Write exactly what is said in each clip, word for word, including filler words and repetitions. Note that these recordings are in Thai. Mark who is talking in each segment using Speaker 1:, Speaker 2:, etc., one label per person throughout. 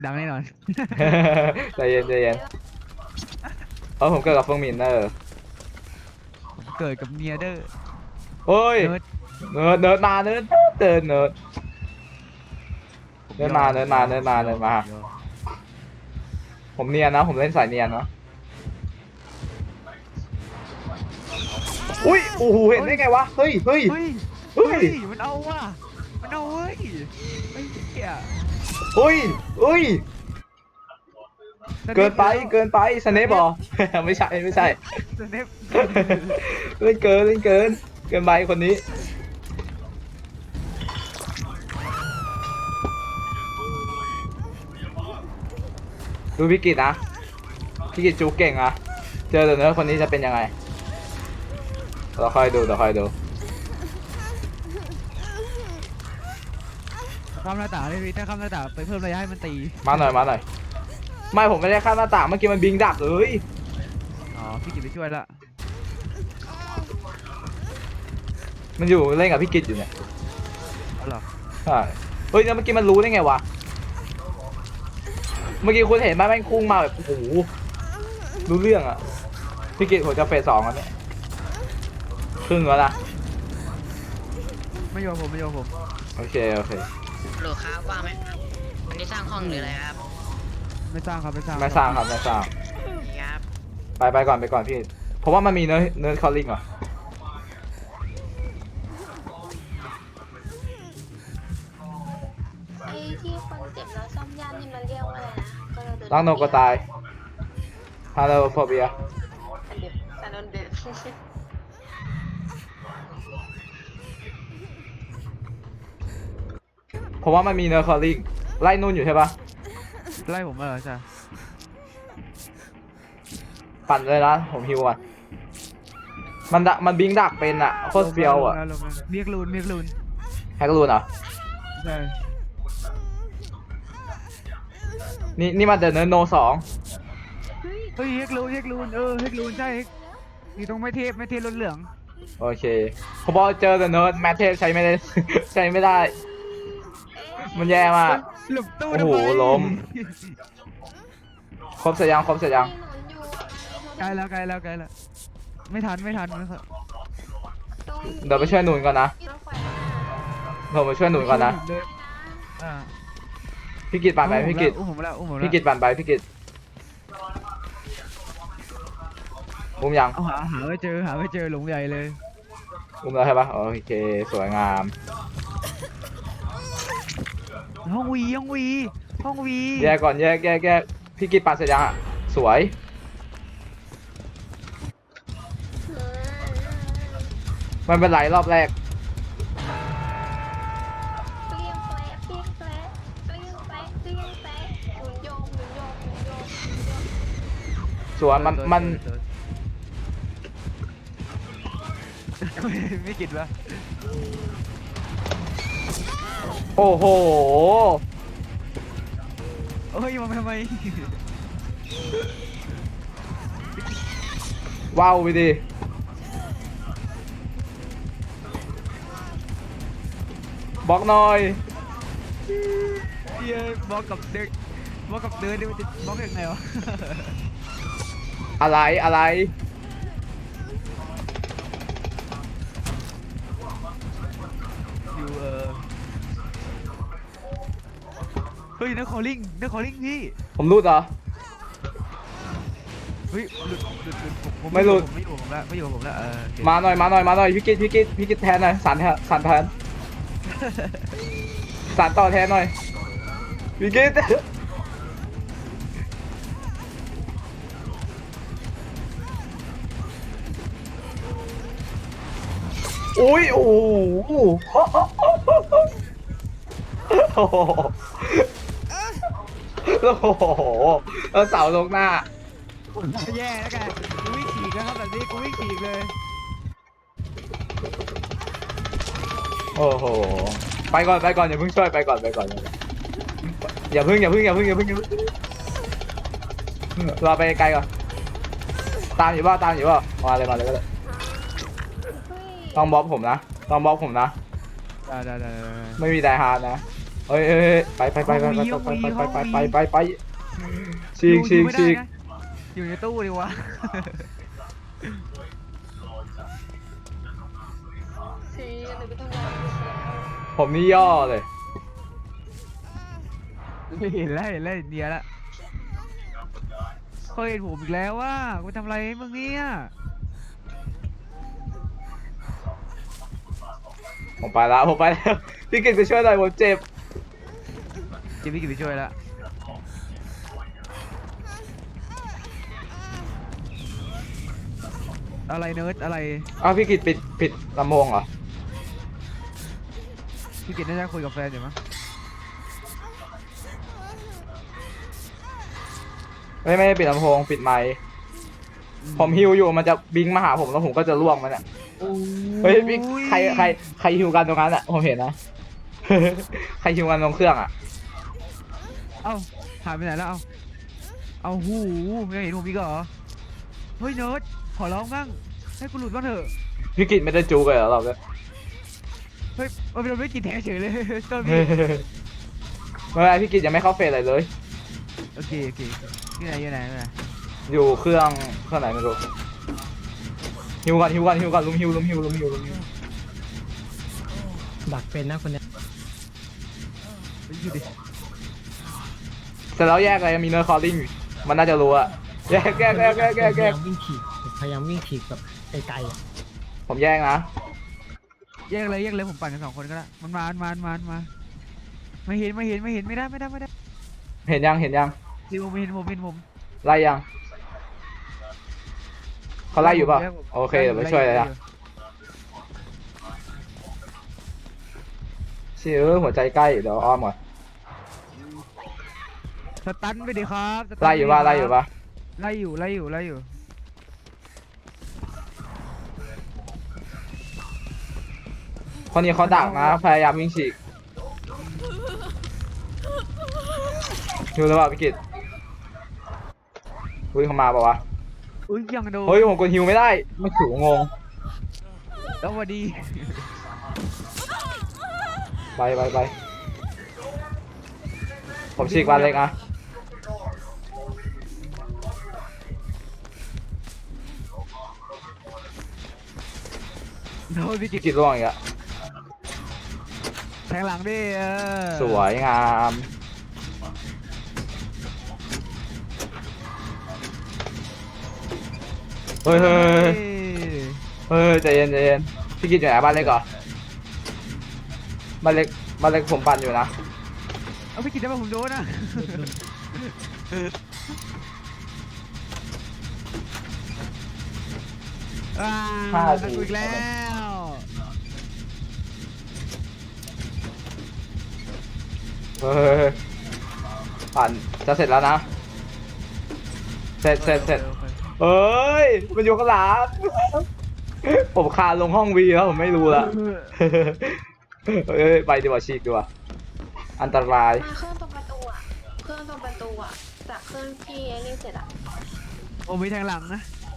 Speaker 1: ดังแน่นอน
Speaker 2: ใจเย็นใจเย็นเออผมเกิดกับเฟิงหมินเนอร์
Speaker 1: เกิดกับเมียเด้อ
Speaker 2: โอ้ย
Speaker 1: เนิร์ด
Speaker 2: เนิร์ดเนิร์ดมาเนิร์ดเดินเนิร์ดเนิร์ดมาเนิร์ดมาเนิร์ดมาเนิร์ดมาผมเนียนนะผมเล่นสายเนียนนะอุ้ยโอ้โหเห็นได้ไงวะเฮ้ยเฮ้ย
Speaker 1: เฮ้ย
Speaker 2: เฮ้
Speaker 1: เฮ้
Speaker 2: ย
Speaker 1: ยมันเอาว่ะมันเอาเว้ยไอ้เหี้ย
Speaker 2: เฮ้ยเฮ้ยเกินไปเกินไปสเนปบอ ไม่ใช่ไม่ใช่
Speaker 1: สเนป
Speaker 2: เล่นเกินเล่นเกินเกินไปคนนี้ดูพี่กิตนะพี่กิตจูเก่งอะเจอเดี๋ยวนี้คนนี้จะเป็นยังไงเราค่อยดูเราค่อยดู
Speaker 1: ข้ามหน้าต่างเลยพี่ถ้าข้ามหน้าต่างไปเพิ่มระยะให้มันตี
Speaker 2: มาหน่อยมาหน่อยไม่ผมไม่ได้ข้ามหน้าต่างเมื่อกี้มันบิงดักเลย
Speaker 1: อ๋อพี่กิตไปช่วยละ
Speaker 2: มันอยู่เล่นกับพี่กิตอยู่เนี่ย
Speaker 1: เอาเหรอ
Speaker 2: ใช่เฮ้ยแล้วเมื่อกี้มันรู้ได้ไงวะเมื่อกี้คุณเห็นไหมแม่งพุ่งมาแบบโอ้โหรู้เรื่องอะพี่กิตผมจะเฟสสองแล้วเนี่ยครึ่งแล้วนะ
Speaker 1: ไม่โยนผมไม่โยนผม
Speaker 2: โอเคโอเค
Speaker 3: โหลครับว่างไหมครับวันนี้สร้างห้องหรืออะไรครับ
Speaker 1: ไม่สร้างครับไม่สร้าง
Speaker 2: ไม่สร้างครับไม่สร้าง
Speaker 3: นี่ครับ
Speaker 2: ไปไปก่อนไปก่อนพี่เพราะว่ามันมีเนื้อเนื้อคอลลิ่งเหรอ
Speaker 4: ไอ้ที่คนเจ็บแล้วซ่อมย่านนี่มันเรียกว่าอะไรนะก็เราเดิน
Speaker 2: ล้างโนก็ตายฮาโลโฟเบีย
Speaker 4: อันเดียวซานอนเดด
Speaker 2: เพราะว่ามันมีเนื้อคอลลิ่งไล่นุ่นอยู่ใช่ปะ
Speaker 1: ไล่ผมมาเหรอจ้ะ
Speaker 2: ปั่นเลยนะผมฮิวอ่ะมันดักมันบิงดักเป็นอ่ะโคตรเฟี้ยวอ่ะ
Speaker 1: ลงแล้วลงแล้วเมียกลูนเมียกลูน
Speaker 2: แฮกรูนเหรอ
Speaker 1: ใช่
Speaker 2: นี่นี่มันเดอะเนื้อโนสอง
Speaker 1: เฮ้ยเฮกลูนเฮกลูนเออเฮกลูนใช่อยู่ตรงไม่เทพไม่เทพรถเหลือง
Speaker 2: โอเคผมบอกเจอเดอะเนื้อแมทเทปใช้ไม่ได้ ใช้ไม่ได้ มันแย่มาก
Speaker 1: หลบตู้
Speaker 2: โอ้
Speaker 1: ทำ
Speaker 2: โห
Speaker 1: ไม
Speaker 2: ล้ม ครบเสร็จยังครบเสร็จยัง
Speaker 4: มีหนุนอยู่
Speaker 1: ใกล้แล้วใกล้แล้วใกล้แล้วไม่ทันไม่ทันไม่ทัน
Speaker 4: ตรง
Speaker 2: เดี๋ยวไปช่วยหนุนก่อนนะ
Speaker 4: รถไฟ
Speaker 2: ผมไปช่วยหนุนก่อนนะ
Speaker 1: เดิอ่า
Speaker 2: พี่กิตปั่นไปพี่กิต
Speaker 1: อุ้มผมแล้วอุ้มผมแล้ว
Speaker 2: พี่กิตปั่นไปพี่กิตอุ้มยัง
Speaker 1: เอาหาหาไม่เจอหาไม่เจอหลงใหญ่เลย
Speaker 2: อุ้มแล้วใช่ปะโอเคสวยงาม
Speaker 1: ห้องวีห้องวีห้องวี
Speaker 2: แยกก่อนแยกแยกแยกพี่กิตปั่นเสร็จยังอ่ะสวย มันเป็นไรรอบแรก
Speaker 4: เปรี้ยงแปะเปรี้ยงแปะเปรี้ยงแปะเปรี้ยงแปะหมุนโยมหมุนโยมหมุนโยมหมุนโยม
Speaker 2: ส่วนมันมัน
Speaker 1: ไม่กินวะ
Speaker 2: โอ้โห
Speaker 1: เฮ้ยมันทำไม
Speaker 2: ว้าวไปดิบล็อกหน่อย
Speaker 1: เฮียบอกกับเด็กบอกกับเดินดิมันจะบอกยังไงวะ
Speaker 2: อะไรอะไร
Speaker 1: อยู่เออเฮ้ยนักคอลลิ่งนักคอลลิ่งพี่
Speaker 2: ผมรูดเหรอ
Speaker 1: เฮ้ยหลุดหลุดหลุดผม
Speaker 2: ไม่หลุด
Speaker 1: ผมไม่อยู่ผมแล้วไม่อยู่ผมแล้วเออโอเค
Speaker 2: มาหน่อยมาหน่อยมาหน่อยพี่กิตพี่กิตพี่กิตแทนหน่อยสันแทนสันแทนสันต่อแทนหน่อยพี่กิตอุ้ยโอ้โหโอ้โหโอ้โหแล้วเสาลงหน้า
Speaker 1: แย่แล้วกันกูวิ่งฉีกแล้วครับแบบนี้กูวิ่งฉีกเลย
Speaker 2: โอ้โหไปก่อนไปก่อนอย่าเพิ่งช่วยไปก่อนไปก่อนอย่าเพิ่งอย่าเพิ่งอย่าเพิ่งอย่าเพิ่งอย่าเพิ่งเราไปไกลก่อนตามอยู่ป่ะตามอยู่ป่ะมาเลยมาเลยก็ได้ต้องบล็อกผมนะต้องบล็อกผมนะ
Speaker 1: ได้ได้ได้ได้
Speaker 2: ไม่มีไดฮาร์ดนะเฮ้ยเฮ้ยไปไปไปไปไปไปไปไปไปไปไปฉีกฉีกฉีก
Speaker 1: อยู่ในตู้ดีวะ
Speaker 4: ซีหรือไปทำงาน
Speaker 2: ผมนี่ย่อเลย
Speaker 1: เห็นแล้วเห็นแล้วเดียละเขาเห็นผมอีกแล้วว่ากูทำอะไรให้มึงเนี่ย
Speaker 2: ผมไปแล้วผมไปแล้วพี่กิตไปช่วยหน่อยผมเจ็บ
Speaker 1: เจมี่กินไปช่วยละอะไรเนิร์ดอะไร
Speaker 2: อ้าวพี่กิตปิดปิดลำโพงเหรอ
Speaker 1: พี่กินน่าจะคุยกับแฟนอยู่มั้ง
Speaker 2: ไม่ไม่ได้ปิดลำโพงปิดไมค์ผมฮิวอยู่มันจะบิงมาหาผมแล้วผมก็จะล่วงมันอ่ะเฮ้ยพี่ใครใครใครฮิวกันตรงนั้นอ่ะผมเห็นนะ ใครฮิวกันตรงเครื่องอ่ะ
Speaker 1: เอ้าหายไปไหนแล้วเอ้าเอาหูยังเห็นผมอีกเหรอเฮ้ยเนิร์ดขอร้องบ้างให้กูหลุดบ้างเถอะ
Speaker 2: พี่กิตไม่ได้จูกันเหรอเราเนี่ย
Speaker 1: เฮ้ยมันเป็นไม่กินแท้เฉยเลย ต้นพี่
Speaker 2: ไม่เป็นไรพี่กิตยังไม่เข้าเฟสอะไรเลย
Speaker 1: โอเคโอเคที่ไหนอยู่ไหนอยู่ไหน
Speaker 2: อยู่เครื่องเครื่องไหนไม่รู้ฮิวกันฮิวกันฮิวกันลุมฮิวลุมฮิวลุมฮิวลุมฮิว
Speaker 5: ดักเป็นนะคนเนี้ย
Speaker 1: เฮ้ยอยู่ดิ
Speaker 2: เสร็จแล้วแยกเลยมีเนอร์คอลลิ่งมันน่าจะรู้อะแยกแยกแยกแยกแยก
Speaker 5: พ
Speaker 2: แย
Speaker 5: ยาก ยามวิ่งฉีกพยายามวิ่งฉีกแบบไกลๆอ่ะ
Speaker 2: ผมแยกนะ
Speaker 1: แยกเลยแยกเลยผมปั่นกันสองคนก็ได้มันมามันมามันมามันมาไม่เห็นไม่เห็นไม่เห็นไม่ได้ไม่ได้ไม่ได้
Speaker 2: เห็นยังเห็นยัง
Speaker 1: ดิวผมเห็นผมเห็นผม
Speaker 2: ไล่ยังเขาไล่อยู่เปล่าโอเคเดี๋ยวไปช่วยเลยนะเชื่อหัวใจใกล้เดี๋ยวอ้อมก่อน
Speaker 1: สตันไปดิครับสตัน
Speaker 2: ไล่อยู่ป่ะไล่อยู่ป่ะ
Speaker 1: ไล่อยู่ไล่อยู่ไล่อยู่
Speaker 2: คนนี้เขาดักนะพยายามวิ่งฉีกดูแล้วเปล่าพี่กิตวิ่งเข้ามาเปล่าวะ
Speaker 1: อุ้ยยังโดน
Speaker 2: เฮ้ยผมกดฮิวไม่ได้ไม่ถูกงง
Speaker 1: แล้วพอดี
Speaker 2: ไปไปไปผมฉีกวันเล็กอะ
Speaker 1: โดนพี่กิ
Speaker 2: พี่
Speaker 1: ต
Speaker 2: กิตร่วงอีกอะ
Speaker 1: แทงหลังดิเออ
Speaker 2: สวยงามเฮ้ยเฮ้ยเฮ้ยใจเย็นใจเย็นพี่กิตอยู่ไหนบ้านเล็กเหรอบ้านเล็กบ้านเล็กผมปั่นอยู่นะ
Speaker 1: เอาพี่กิตได้ป่ะผมโดนนะอ่า
Speaker 2: ห้า
Speaker 1: ตะ
Speaker 2: ที
Speaker 1: กุอีกแล้ว
Speaker 2: เฮ้ยปั่นจะเสร็จแล้วนะเสร็จเสร็จเสร็จเอ้ยมันอยู่ข้างหลังผมคานลงห้องวีแล้วผมไม่รู้ละเอ้ยไปดีกว่าฉีกดีกว่าอันตราย
Speaker 4: มาเครื่องตรงประตูอ่ะเครื่องตรงประตูอ่ะจากเครื่องที่ไอ้นี่เสร็จอ่ะ
Speaker 1: ผมมีแทงหลังนะ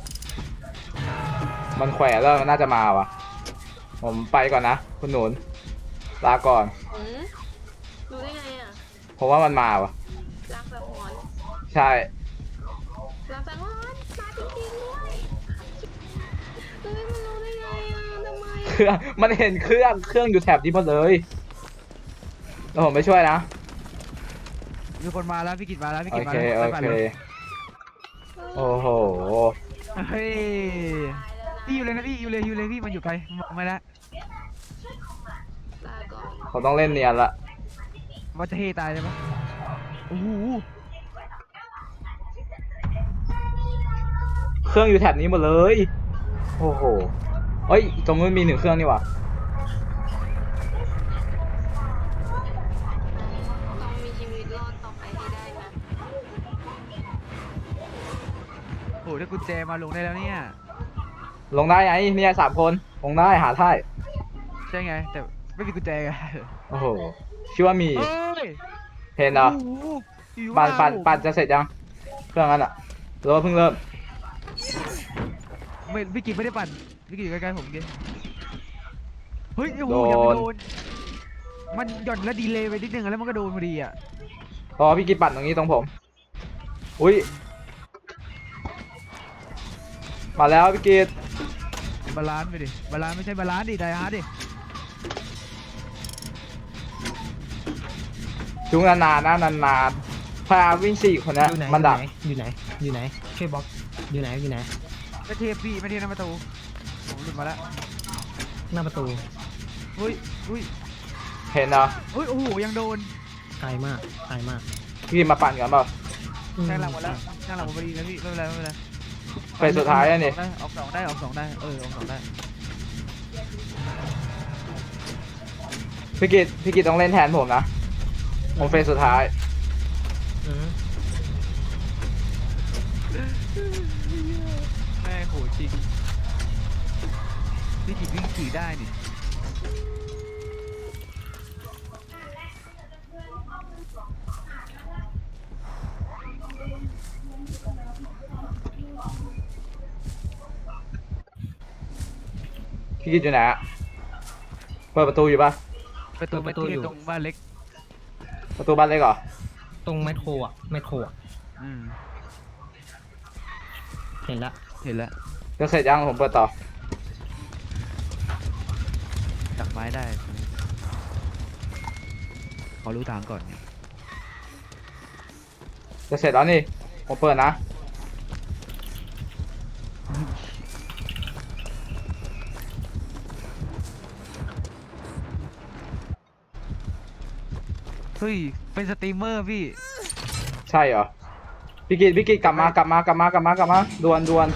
Speaker 2: มันแขวะแล้วมันน่าจะมาว่ะผมไปก่อนนะคุณหนุนลาก่อน
Speaker 4: หืมรู้ได้ไงอ่ะ
Speaker 2: ผมว่ามันมาว่ะ
Speaker 4: รักสังหรณ์
Speaker 2: ใช่
Speaker 4: รักสังหรณ์มาจริงๆด้วยเฮ้ยมันรู้ได้ไงอ่ะทำไม
Speaker 2: เครื่องมันเห็นเครื่องเครื่องอยู่แถบนี้หมดเลยแล้วผมไปช่วยนะ
Speaker 1: มีคนมาแล้วพี่กิตมาแล้วพี่
Speaker 2: โอ
Speaker 1: กิตมา
Speaker 2: เค
Speaker 1: แล้ว
Speaker 2: โอเคโอ้โห
Speaker 1: เฮ้ยพี่อยู่เลยนะพี่อยู่เลยอยู่เลยพี่มันอยู่ไกลมองไม่ได้
Speaker 4: ลาก่อน
Speaker 2: ผมต้องเล่นเนียนละ
Speaker 1: ว่าจะเฮตายเลยปะโอ้โห
Speaker 2: เครื่องอยู่แถบนี้หมดเลย โอ้โหเอ้ยตรงนู้นมีหนึ่งเครื่องนี่หว่ะ
Speaker 4: ต้องมีชีวิตรอดต่อไปให้ได้นะ
Speaker 1: โอ้โหได้กุญแจมาลงได้แล้วเนี่ย
Speaker 2: ลงได้ไงเนี่ยสามคนลงได้หาท่าย
Speaker 1: ใช่ไงแต่ไม่มีกุญแจไง
Speaker 2: โอ้โหคิดว่ามี
Speaker 1: เอ้ย
Speaker 2: เห็นเหรอ
Speaker 1: โอ้โหอยู่
Speaker 2: ปั่นปั่น
Speaker 1: ว่า
Speaker 2: ปั่นจะเสร็จยังเครื่องนั้นอะหรือว่าเพิ่งเริ่ม
Speaker 1: ไม่พี่กิตไม่ได้ปั่นพี่กิตอยู่ใกล้ๆผมเกเฮ้ยโอ้โหยังไม่โดนมันหย่อนแล้วดีเลย์ไปนิดนึงแล้วมันก็โดนพอดีอ่ะ
Speaker 2: อ๋อพี่กิตปั่นตรงนี้ตรงผมอุ้ยมาแล้วพี่กิต
Speaker 1: บาลานซ์ไปดิบาลานซ์ไม่ใช่บาลานซ์ดิไดฮาร์ดดิ
Speaker 2: จุงนานๆนะนานๆพาวิ่งสี่คนเนี้ย
Speaker 5: อยู่ไหน
Speaker 2: มันดัก
Speaker 5: อยู่ไหนอยู่ไหนช่วยบล็อกอยู่ไหนอยู่ไหน
Speaker 1: ไม่เทียบพี่ไม่เทียบหน้าประตูผมหลุดมาแล้ว
Speaker 5: หน้าประตู
Speaker 1: เฮ้ยอุ้ย
Speaker 2: เห็นเหรอ
Speaker 1: เฮ้ยโอ้โหยังโดน
Speaker 5: ไกลมากไกลมาก
Speaker 2: พี่มาปั่นกันเปล่า
Speaker 5: อืม
Speaker 1: แทงหลังหมดแล้วแทงหลังหมดพอดีนะพี่ไม่เป็นไรไม่เป็นไร
Speaker 2: เฟสสุดท้ายแล้วนี่
Speaker 1: ได้ออกสองได้ออกสองได้เออออกสองได้
Speaker 2: พี่กิตพี่กิตต้องเล่นแทนผมนะผมเฟสสุดท้าย
Speaker 5: อืม
Speaker 1: แม่โหจริงพี่จิตวิ่งขี่ได้นี่
Speaker 2: พี่กิตอยู่ไหนอะเปิดประตูอยู่ปะ
Speaker 1: ประตูไม่เทียบตรงบ้านเล็ก
Speaker 2: ประตูบ้านเล็กเหรอ
Speaker 5: ตรงไมโครอ่ะไมโครอ่ะ
Speaker 1: อืม
Speaker 5: เห็นละ
Speaker 1: เห็นแล้ว
Speaker 2: จะเสร็จยังผมเปิดต่อ
Speaker 1: ดักไม้ได้ขอรู้ทางก่อน
Speaker 2: จะเสร็จแล้วนี่ผมเปิดนะ
Speaker 1: เฮ้ยเป็นสตรีมเมอร์พี่
Speaker 2: ใช่เหรอพี่กิตพี่กิตกลับมากลับมากลับมากลับมากลับมาดวนดวน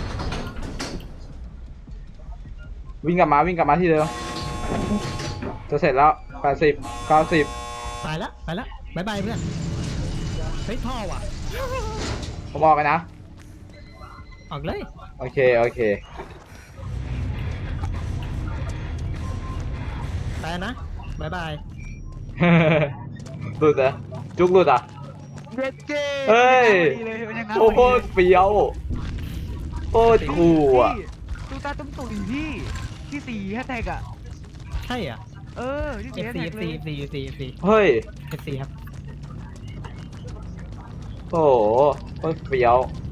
Speaker 2: วิ่งกลับมาวิ่งกลับมาที่เดิมจะเสร็จแล้วแปดสิบเก้าสิบ
Speaker 5: ไปละไปละบายบายเพื่อนเฮ้ยท่อว่ะ
Speaker 2: ผมบอกกันนะ
Speaker 5: ออกเลย
Speaker 2: โอเคโอเค
Speaker 5: ไปนะบายบาย
Speaker 2: หลุดเหรอจุกหลุดอ่ะ
Speaker 1: เด็ดเก้
Speaker 2: เฮ้ย
Speaker 1: เลยมันยัง
Speaker 2: โอ้โหเฟี้ยวโคตรคูลอ่ะ
Speaker 1: ตูตาตุ้มตุ๋ยพี่ที่สี่แฮชแท็กอ่ะ
Speaker 5: ใช่อ่ะ
Speaker 1: เออที่สี่แฮช
Speaker 5: F4
Speaker 1: แท็กเลย
Speaker 5: F4 F4 F4
Speaker 2: เฮ้ย
Speaker 5: F4 ครับ
Speaker 2: โอ้โหโคตรเฟี้ยว